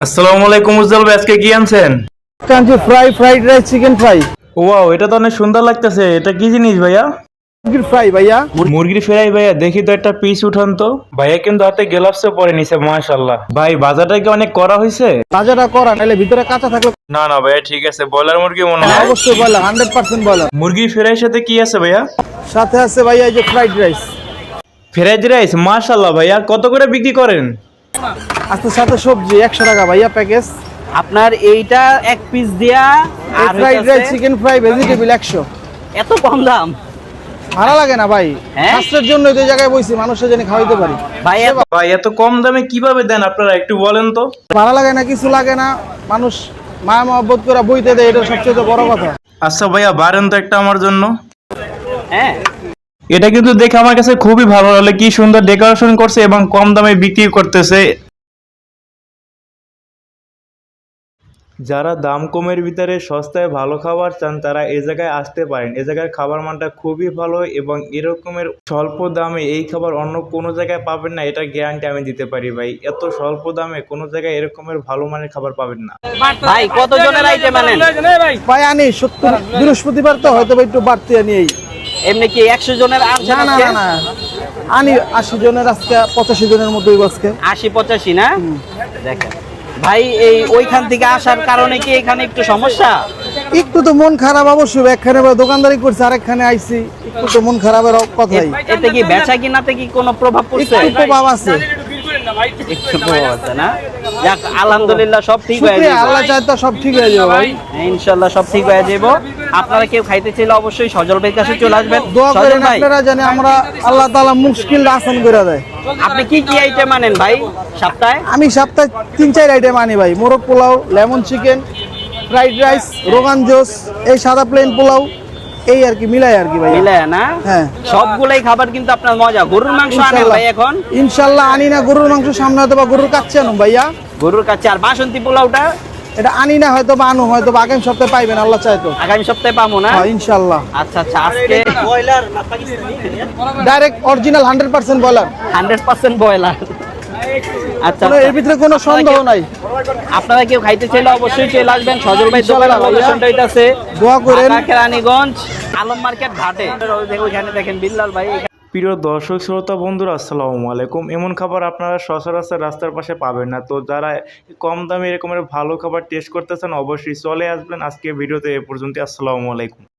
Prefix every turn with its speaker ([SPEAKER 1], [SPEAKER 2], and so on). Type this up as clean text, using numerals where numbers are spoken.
[SPEAKER 1] আসসালামু আলাইকুম উজ্জ্বল ভাই, আজকে কি আনছেন?
[SPEAKER 2] কাঞ্চি fried rice chicken fry
[SPEAKER 1] wow, এটা তো অনেক সুন্দর লাগতেছে। এটা কি জিনিস ভাইয়া?
[SPEAKER 2] মুরগির ফ্রাই ভাইয়া।
[SPEAKER 1] মুরগির ফ্রাই ভাইয়া, দেখি তো একটা পিস উঠান তো। ভাইয়া কিন্তু হাতে গ্লাভসও পরে নিছে, মাশাআল্লাহ। ভাই বাজারটা কি অনেক করা হয়েছে?
[SPEAKER 2] তাজাটা করা নাহলে ভিতরে কাঁচা থাকলে।
[SPEAKER 1] না না ভাইয়া, ঠিক আছে। ব্রয়লার মুরগি মনে হয়।
[SPEAKER 2] অবশ্যই বয়লার 100% বয়লার।
[SPEAKER 1] মুরগির ফ্রাইয়ের সাথে কি আছে ভাইয়া?
[SPEAKER 2] সাথে আছে ভাইয়া এই যে ফ্রাইড রাইস।
[SPEAKER 1] ফ্রাইড রাইস, মাশাআল্লাহ। ভাইয়া কত করে বিক্রি করেন?
[SPEAKER 2] আস্তে সাথে সবজি 100 টাকা ভাইয়া প্যাকেজ।
[SPEAKER 3] আপনার এইটা এক পিস দিয়া আর
[SPEAKER 2] fried rice chicken fry vegetable 100।
[SPEAKER 3] এত কম দাম
[SPEAKER 2] ভালো লাগে না ভাই,
[SPEAKER 3] হ্যাঁ?
[SPEAKER 2] স্বাস্থ্যের জন্য এই জায়গায় বইছি, মানুষের জন্য খাওয়াইতে পারি।
[SPEAKER 3] ভাই
[SPEAKER 1] ভাই এত কম দামে কিভাবে দেন আপনারা, একটু বলেন তো।
[SPEAKER 2] ভালো লাগে না, কিছু লাগে না, মানুষ মায়া মহব্বত করে বইতে দেয়, এটা সবচেয়ে বড় কথা।
[SPEAKER 1] আচ্ছা ভাইয়া, বারেন তো একটা আমার জন্য।
[SPEAKER 3] হ্যাঁ,
[SPEAKER 1] এটা কিন্তু দেখে আমার কাছে খুবই ভালো লাগলো, কি সুন্দর ডেকোরেশন করছে এবং কম দামে বিক্রি করতেছে। যারা দাম কমের ভিতরে সস্তায় ভালো খাবার চান তারা এই জায়গায় আসতে পারেন। এই জায়গার খাবার মানটা খুবই ভালো এবং এরকমের স্বল্প দামে এই খাবার অন্য কোনো জায়গায় পাবেন না, এটা গ্যারান্টি আমি দিতে পারি ভাই। এত স্বল্প দামে কোনো জায়গায় এরকমের ভালো মানের খাবার পাবেন না।
[SPEAKER 3] ভাই কত জনের আইটেম আনেন?
[SPEAKER 2] ভাই আনি 70, বৃহস্পতিবার তো হয়তো একটু বাড়তি আনি। এই
[SPEAKER 3] এমনি কি 100 জনের আনছেন?
[SPEAKER 2] না না
[SPEAKER 3] আজকে?
[SPEAKER 2] না না, আনি 80 জনের, আজকে 85 জনের মতোই আজকে।
[SPEAKER 3] 80-85 না? দেখেন ভাই, এই ওইখান থেকে আসার কারণে কি এখানে একটু সমস্যা?
[SPEAKER 2] একটু তো মন খারাপ অবশ্যই, একখানে দোকানদারি করছে আরেকখানে আইছি, একটু তো মন খারাপের কথাই।
[SPEAKER 3] এতে কি বেচা কিনাতে কি কোনো প্রভাব পড়ছে?
[SPEAKER 2] একটু প্রভাব আছে,
[SPEAKER 3] একটু প্রভাব আছে না? যাক, আলহামদুলিল্লাহ সব ঠিক হয়ে
[SPEAKER 2] শুকরিয়া,
[SPEAKER 3] যাবে।
[SPEAKER 2] আল্লাহ চায় তো সব ঠিক হয়ে যাবে ভাই।
[SPEAKER 3] ইনশাআল্লাহ সব ঠিক হয়ে যাবে। আপনারা কেউ খাইতে চাইলে অবশ্যই সজল ভাইয়ের কাছে চলে আসবেন।
[SPEAKER 2] দোয়া
[SPEAKER 3] সজল
[SPEAKER 2] করেন
[SPEAKER 3] ভাই,
[SPEAKER 2] আপনারা জানি আমরা আল্লাহ তাআলা মুশকিল আসান করে দেয়।
[SPEAKER 3] আপনি কি কি আইটেম আনেন ভাই সপ্তাহে?
[SPEAKER 2] আমি সপ্তাহে 3-4 আইটেম আনি ভাই। মোরগ পোলাও, lemon chicken, fried rice, rogan josh, এই সাদা প্লেন পোলাও, এই আর কি মিলাই আর কি ভাই।
[SPEAKER 3] মিলায় না?
[SPEAKER 2] হ্যাঁ,
[SPEAKER 3] সবগুলাই খাবার কিন্তু আপনার মজা। গরুর মাংস আনেন ভাই এখন?
[SPEAKER 2] ইনশাল্লাহ আনি না, গরুর মাংস সামনে হয়তো বা গরুর কাচ্ছে আনুন ভাইয়া।
[SPEAKER 3] গরুর কাছে। আর বাসন্তী পোলাওটা
[SPEAKER 2] এটা আনি না, হয়তো বা আনু, হয়তো বা আগামী সপ্তাহে পাইবেন আল্লাহ চায় তো।
[SPEAKER 3] আগামী সপ্তাহে পাবো না?
[SPEAKER 2] হ্যাঁ ইনশাল্লাহ।
[SPEAKER 3] আচ্ছা আচ্ছা, আজকে
[SPEAKER 2] ডাইরেক্ট অরিজিনাল 100% বয়লার।
[SPEAKER 3] 100% ব্রয়লার। আচ্ছা
[SPEAKER 2] কোনো এর ভিতরে কোনো সন্দেহ নাই।
[SPEAKER 3] আপনারা কেউ খাইতে চাইলে অবশ্যই চলে আসবেন। সজল ভাই দোকানের লোকেশনটা হইতাছে
[SPEAKER 2] দোয়া করেন।
[SPEAKER 3] ঢাকা কেরানীগঞ্জ আলম মার্কেট ঘাটে। ওইখানে দেখেন বিল্লাল ভাই।
[SPEAKER 1] প্রিয় দর্শক শ্রোতা বন্ধুরা, আসসালামু আলাইকুম। এমন খাবার আপনারা সচরাচর রাস্তার পাশে পাবেন না। তো যারা কম দামে এরকমের ভালো খাবার টেস্ট করতে চান অবশ্যই চলে আসবেন। আজকে ভিডিওতে এ পর্যন্ত। আসসালামু আলাইকুম।